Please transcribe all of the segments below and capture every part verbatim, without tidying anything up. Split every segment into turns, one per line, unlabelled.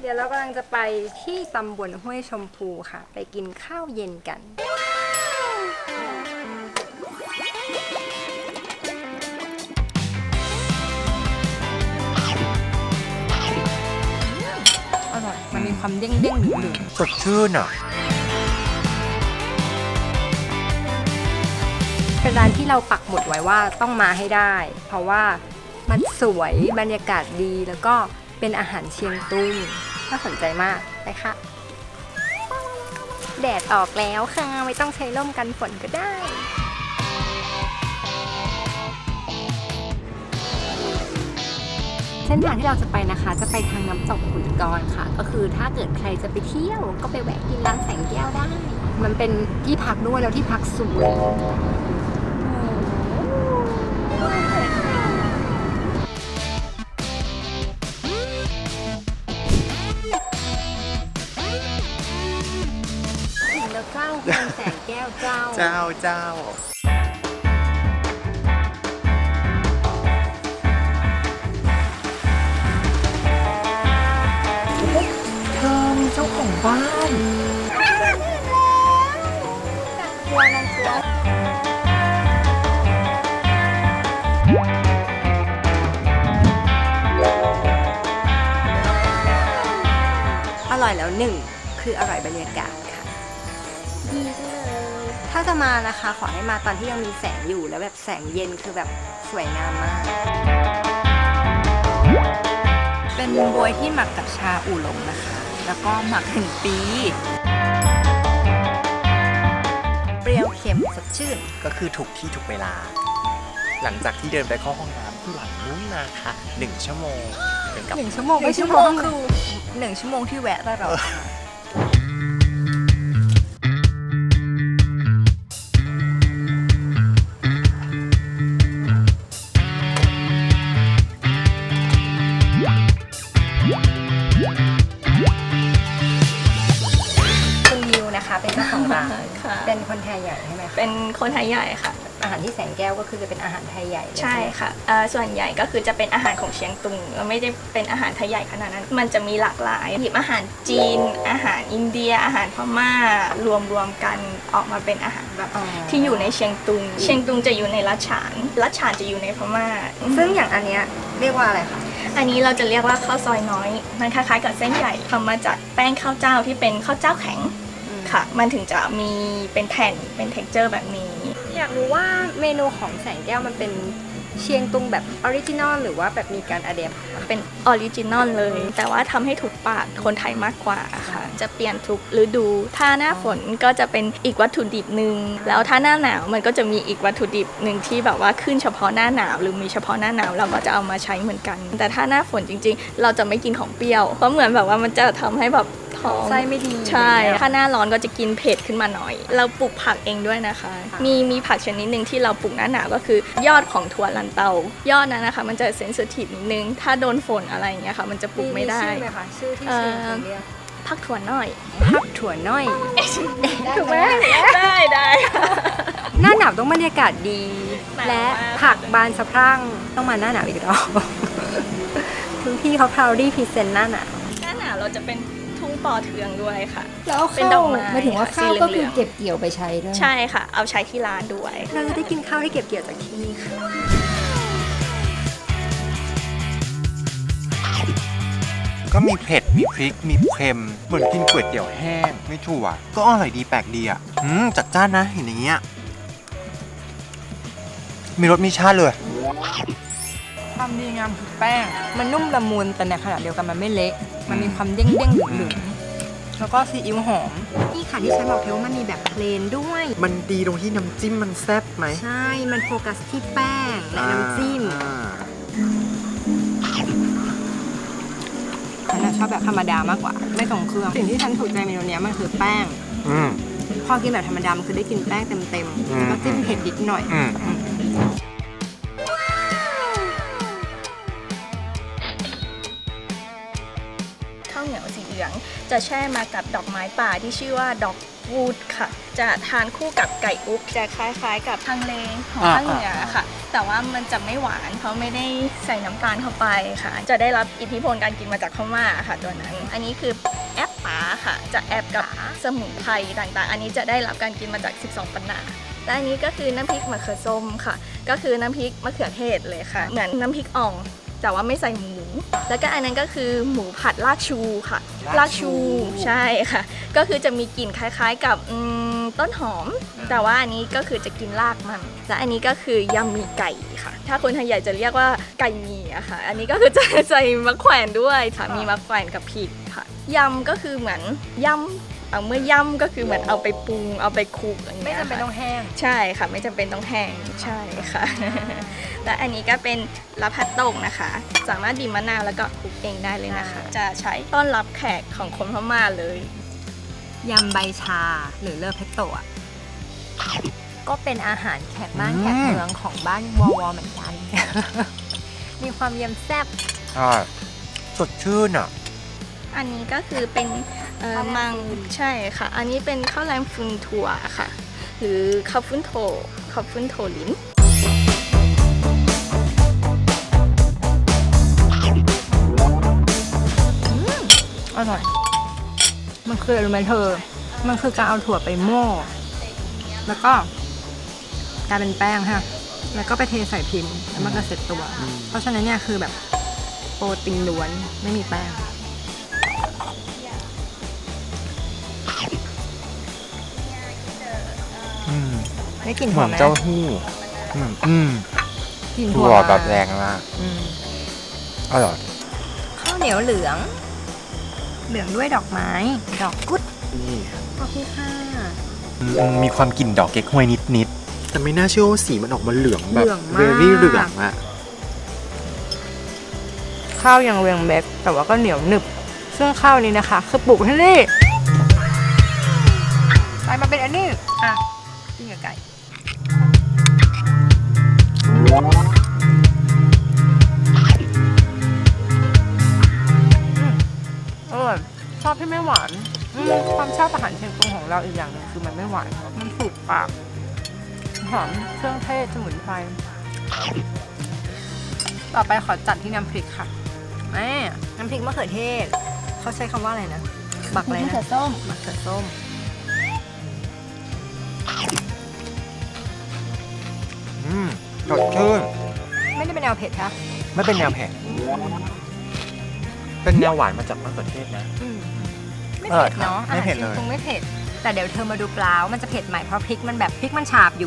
เดี๋ยวเรากำลังจะไปที่ตำบลห้วยชมพูค่ะไปกินข้าวเย็นกันอร่อยมันมีความเด้งเด้งหนึบ
สดชื่นอ่ะ
เป็นร้านที่เราปักหมุดไว้ว่าต้องมาให้ได้เพราะว่ามันสวยบรรยากาศดีแล้วก็เป็นอาหารเชียงตุงน่าสนใจมากนะคะแดดออกแล้วค่ะไม่ต้องใช้ร่มกันฝนก็ได้เส้นทางที่เราจะไปนะคะจะไปทางน้ำตกขุนกรค่ะก็คือถ้าเกิดใครจะไปเที่ยวก็ไปแวะกินร้านแสงแก้วได้มันเป็นที่พักด้วยแล้วที่พักสวยเจ้าคุณแสงแก้วเจ้า
เจ้าเจ้าเธอมีเจ้าของบ้าน
กลัวนังกลัวอร่อยแล้วหนึ่งคืออร่อยบรรยากาศถ้าจะมานะคะขอให้มาตอนที่ยังมีแสงอยู่แล้วแบบแสงเย็นคือแบบสวยงามมากเป็นบวยที่หมักกับชาอู่หลงนะคะแล้วก็หมักถึงปีเปรี้ยวเค็มสดชื่น
ก็คือถูกที่ถูกเวลาหลังจากที่เดินไปเข้าห้องน้ำที่หลังนู้นนะคะหนึ่งชั่วโมงเป็นกับ
หนึ่งชั่วโมงไม่ชั่วโมงคือหนึ่งชั่วโมงที่แวะตลอดเป็นเจ้าของร้านเป็นคนไทยใหญ่ใช่ไหม
เป็นคนไทยใหญ่ค่ะ
อาหารที่แสงแก้วก็คือจะเป็นอาหารไทยใหญ่
ใช่ค่ะส่วนใหญ่ก็คือจะเป็นอาหารของเชียงตุงไม่ได้เป็นอาหารไทยใหญ่ขนาดนั้นมันจะมีหลากหลายหยิบอาหารจีนอาหารอินเดียอาหารพม่ารวมรวมกันออกมาเป็นอาหารแบบที่อยู่ในเชียงตุงเชียงตุงจะอยู่ในลัดฉานลัดฉานจะอยู่ในพม่า
ซึ่งอย่างอันเนี้ยเรียกว่าอะไรคะ
อันนี้เราจะเรียกว่าข้าวซอยน้อยมันคล้ายๆกับเส้นใหญ่ทำมาจากแป้งข้าวเจ้าที่เป็นข้าวเจ้าแข็งค่ะมันถึงจะมีเป็นแผ่นเป็น เท็กเจอร์ แบบนี้
อยากรู้ว่าเมนูของแสงแก้วมันเป็นเชียงตุงแบบออริจินอลหรือว่าแบบมีการอะแดป
เป็นออริจินอลเลยแต่ว่าทำให้ถูกปากคนไทยมากกว่าค่ะจะเปลี่ยนทุกฤดูถ้าหน้าฝนก็จะเป็นอีกวัตถุดิบหนึ่งแล้วถ้าหน้าหนาวมันก็จะมีอีกวัตถุดิบหนึ่งที่แบบว่าขึ้นเฉพาะหน้าหนาวหรือมีเฉพาะหน้าหนาวเราก็จะเอามาใช้เหมือนกันแต่ถ้าหน้าฝนจริงๆเราจะไม่กินของเปรี้ยวเพราะเหมือนแบบว่ามันจะทำให้แบบ
ไส้ไม่ดี
ใช่ถ้าหน้าร้อนก็จะกินเผ็ดขึ้นมาหน่อยเราปลูกผักเองด้วยนะคะมีมีผักชนิดหนึ่งที่เราปลูกหน้าหนาวก็คือยอดของถั่วลันเตายอดนั้นนะคะมันจะเซนซิทีฟนิดนึงถ้าโดนฝนอะไรอย่างเงี้ยค่ะมันจะปลูกไม่ได้
ชื่อไหมคะชื่อที่เชียงเรียก
ผักถั่วน้อย
ผักถั่วน้อย
ถูกไหมได้ได้
หน้าหนาวต้องบรรยากาศดีและผักบานสะพรั่งต้องมาหน้าหนาวอีกรอบคุณพี่เขาพาวดี้พรีเซนต์หน้าหนาว
หน้าหนาวเราจะเป็นทุ่งปอเทืองด้วยค่ะ
แล้วเป็นดอกไม้หมายถึงว่าข้าวก็คือเก็บเกี่ยวไปใช้ด้วย
ใช่ค่ะเอาใช้ที่ร้านด้วย
เราจะได้กินข้าวที่เก็บเกี่ยวจากที่นี่ค่ะ
ก็มีเผ็ดมีพริกมีเค็มเหมือนกินก๋วยเตี๋ยวแห้งไม่ถั่วก็อร่อยดีแปลกดีอ่ะอืมจัดจ้านนะเห็นอย่างเงี้ยมีรสมีชาติเลย
ความดีงามคือแป้งมันนุ่มละมุนแต่ในขณะเดียวกันมันไม่เละมันมีความเด้งเด้งหนึบๆแล้วก็ซีอิ๊วหอมนี่ค่ะที่ฉันบอกเธอว่ามันมีแบบเพลนด้วย
มันดีตรงที่น้ำจิ้มมันแซ่บไหม
ใช่มันโฟกัสที่แป้งและน้ำจิ้มฉันชอบแบบธรรมดามากกว่าไม่ส่งเครื่องสิ่งที่ฉันถูกใจเมนูนี้มันคือแป้งพอกินแบบธรรมดามันคือได้กินแป้งเต็มๆแล้วก็จิ้มเผ็ดนิดหน่อย
ข้าวเหนียวสีเหลืองจะแช่มากับดอกไม้ป่าที่ชื่อว่าดอกวูดค่ะจะทานคู่กับไก่อุ๊บจะคล้ายๆ กับทางเลของภาคเหนือค่ะ แต่ว่ามันจะไม่หวานเพราะไม่ได้ใส่น้ำตาลเข้าไปค่ะ จะได้รับอิทธิพลการกินมาจากพม่าค่ะตัวนั้น อันนี้คือแอปป๋าค่ะ จะแอบกับสมุนไพรต่างๆ อันนี้จะได้รับการกินมาจากสิบสองปันนาและอันนี้ก็คือน้ำพริกมะเขือส้มค่ะ ก็คือน้ำพริกมะเขือเทศเลยค่ะ เหมือนน้ำพริกอ่องแต่ว่าไม่ใส่หมู แล้วก็อันนั้นก็คือหมูผัดลากชูค่ะ ลากชูใช่ค่ะ ก็คือจะมีกลิ่นคล้ายๆกับต้นหอม แต่ว่าอันนี้ก็คือจะกินรากมัน และอันนี้ก็คือยำหมี่ไก่ค่ะ ถ้าคนไทยใหญ่จะเรียกว่าไก่หมี่อะค่ะ อันนี้ก็คือจะใส่มะแขวนด้วยค่ะ มีมะแขวนกับพริกค่ะยำก็คือเหมือนยำเอาเมื่อย่ำก็คือเหมือนเอาไปปรุงเอาไปคลุกอย่างเงี้ย
ไม่จำเป็นต้องแห้ง
ใช่ค่ะไม่จำเป็นต้องแห้งใช่ค่ะ และอันนี้ก็เป็นลาพัดโต่งนะคะ สามารถดีมะนาวแล้วก็คลุกเองได้เลยนะคะ จะใช้ต้อนรับแขกของคนพม่าเลย
ยำใบชาหรือเลอเพตโตะก็เป็นอาหารแขกบ้าน
อืม
แขกเมืองของบ้านวอวอเหมือนกัน มีความเยี่ยมแซ่บ
ใช่สดชื่นอ่ะ
อันนี้ก็คือเป็นเอ่อ
ข้าวแรม
มัง
ฟืน
ใช่ค่ะ อันนี้เป็นข้าวแรมฟืนถั่วค่ะ หรือข้าวฟุ้นโถข้าวฟุ้นโถลิ้น
อร่อย มันคืออะไรรู้ไหมเธอ มันคือการเอาถั่วไปโม่แล้วก็กลายเป็นแป้งฮะแล้วก็ไปเทใส่พิมพ์แล้วมันก็เสร็จตัว
อืม
เพราะฉะนั้นเนี่ยคือแบบโปรตีนล้วนไม่มีแป้ง
อืม
ได้กลิ่น
เห
ห
มื
อ
อ
ม
น
ไหม
เจ้าหู้อืมอืม
กลิ่น
ถั่วแบบแรงมาก
อืม
อร่อย
ข้าวเหนียวเหลือง เหลืองด้วยดอกไม้ ดอกกุด
นี่
ขอบคุณค่ะ
อืมมีความกลิ่นดอกเก๊กฮวยนิดๆแต่ไม่น่าเชื่อว่าสีมันออกมาเหลืองแบบ
เหลืองมาก
เวรี่เหลืองอะ
ข้าวยังเรียงเบ็กแต่ว่าก็เหนียวหนึบ ซึ่งข้าวนี้นะคะ คือปลูกที่นี่กลายมาเป็นอันนี้ อ่ะกินกับไก่อืมอร่อยชอบที่ไม่หวานอืมความชอบอาหารเชียงตุงของเราอีกอย่างหนึงคือมันไม่หวาน มันถูกปากหอมเครื่องเทศสมุนไพรต่อไปขอจัดที่น้ำพริกค่ะแม่น้ำพริกมะเขือเทศ เขาใช้คำว่าอะไรนะ บักอะไรนะ
มะเขือส้ม
มะเขือส้ม
อืมสดชื่น
ไม่ได้เป็นแนวเผ็ดค่ะ
ไม่เป็นแนวเผ็ดเป็นแนวหวานมาจากมะเขือเทศนะ
อืมไม่
อร่อ
เผ็
ย
ด
ครับ
เนาะ
ไม่เผ็ด
อาหาร
เลย
จีนคงไม่เผ็ด แต่เดี๋ยวเธอมาดูปลาว่ามันจะเผ็ดไหมเพราะพริกมันแบบพริกมันฉาบอยู่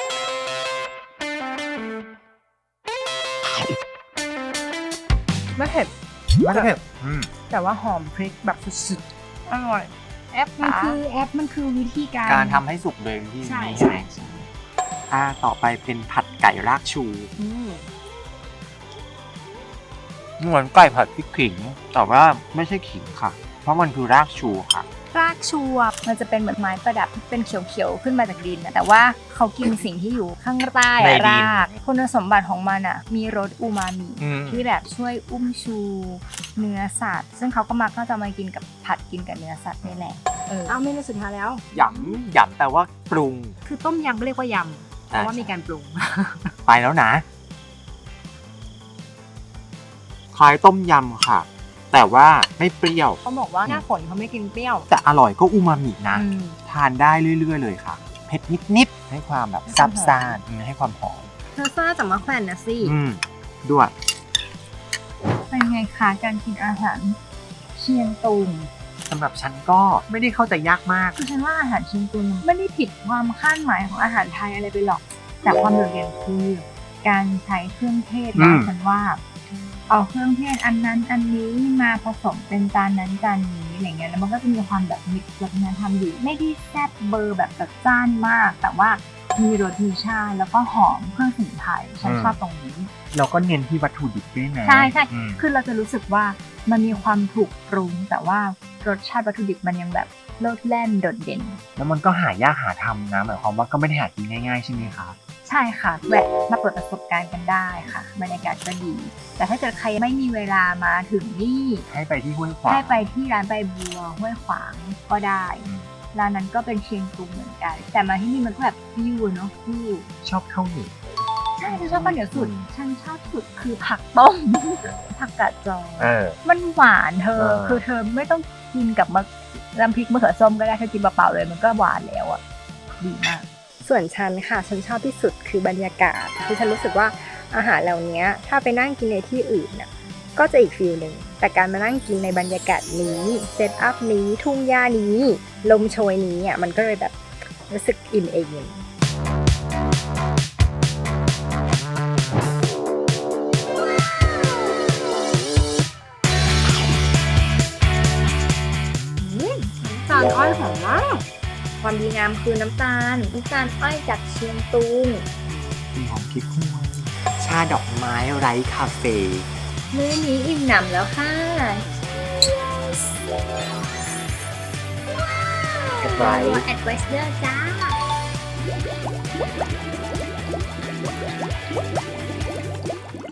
ไม่เผ็ด
ไม่ได้เผ็ดอืม
แต่ว่าหอมพริกแบบสุดๆ อร่อย แอป
มัน
ปลา
คือแอปมันคือวิธีการ
การทำให้สุกโดยวิธี
ใช่
นี้
ใช่ใช่
อ่าต่อไปเป็นผัดไก่รากชู
อืม
เหมือนไก่ผัดพริกขิง แต่ว่าไม่ใช่ขิงค่ะ เพราะมันคือรากชูค่ะ
รากชูอะมันจะเป็นเหมือนไม้ประดับที่เป็นเขียวๆขึ้นมาจากดินนะแต่ว่าเขากินสิ่งที่อยู่ข้างใต้
ใน
อะ
ดิน
รากคุณสมบัติของมันอะมีรสอูมามิ
อืม
ที่แบบช่วยอุ้มชูเนื้อสัตว์ ซึ่งเขาก็มักก็จะมากินกับผัดกินกับเนื้อสัตว์นี่แหละเออ
เอาเมนูสุดท้ายแล้ว
หยำหยำแปลว่าปรุง
คือต้มยำก็เรียกว่ายำเพราะว่ามีการปรุง
ไปแล้วนะ คล้ายต้มยำค่ะ แต่ว่าไม่เปรี้ยว
เขาบอกว่าหน้าฝนเขาไม่กินเปรี้ยว
แต่อร่อยก็อูมามินะ
อืม
ทานได้เรื่อยๆเลยค่ะ เผ็ดนิดๆ ให้ความแบบซับซ่านอืมให้ความหอม
เธอซ่าจากมะแขวนนะสิ
อืมด้วย
เป็นไงคะการกินอาหารเชียงตุง
สำหรับฉันก็ไม่ได้เข้าใจยากมาก
คือฉันว่าอาหารเชียงตุงไม่ได้ผิดความคาดหมายของอาหารไทยอะไรไปหรอก แต่ความโดดเด่นคือการใช้เครื่องเทศ
อื
นะ
ม
ฉันว่า เอาเครื่องเทศอันนั้นอันนี้มาผสมเป็นจานนั้นจานนี้อะไรเงี้ยแล้วมันก็จะมีความแบบมิกซ์วัฒนธรรมอยู่ไม่ได้แซ่บเบอร์แบบจัดจ้านมาก แต่ว่ามีรสมีชาติแล้วก็หอมเครื่องสมุนไพรฉันชอบตรงนี้
เราก็เน้นที่วัตถุดิบด้วยนะ
ใช่ใช่
อืม
คือเราจะรู้สึกว่ามันมีความถูกปรุง แต่ว่ารสชาติวัตถุดิบมันยังแบบโลดแล่นโดดเด่น
แล้วมันก็หายากหาทำนะหมายความว่าก็ไม่ได้หากินง่ายๆใช่ไหมคะ
ใช่ค่ะแวะมาเปิดประสบการณ์กันได้ค่ะบรรยากาศก็ดี แต่ถ้าเกิดใครไม่มีเวลามาถึงนี่
ให้ไปที่ห้วยขวาง
ให้ไปที่ร้านใบบัวห้วยขวางก็ได้ร้านนั้นก็เป็นเชียงตุงเหมือนกัน แต่มาที่นี่มันก็แบบฟิวเนาะฟิว
ชอบข้าวเหนียว
ใช่ฉันชอบข้าวเหนียวสุด ฉันชอบสุดคือผักต้ม ผักกาดจอ
เออ
มันหวานเธอ
เออ
คือเธอไม่ต้องกินกับมะน้ำพริกมะเขือส้มก็ได้เธอกินเปล่าๆเลยมันก็หวานแล้วอ่ะ ดีมาก
ส่วนฉันค่ะฉันชอบที่สุดคือบรรยากาศคือฉันรู้สึกว่าอาหารเหล่านี้ถ้าไปนั่งกินในที่อื่นน่ะก็จะอีกฟีลหนึ่งแต่การมานั่งกินในบรรยากาศนี้เซตอัพนี้ทุ่งหญ้านี้ ลมโชยนี้อ่ะมันก็เลยแบบรู้สึกอิ่มเองจานอ้อยหอมมาก ความดีงามคือน้ำตาลน้ำตาลอ้อยจากเชียงตุง
มีหอมพริกคั่วชาดอกไม้ไร้คาเฟ่
มื้อนี้อิ่มหนำแล้วค่ะ
ไร้
แอดไวเซอร์จ้า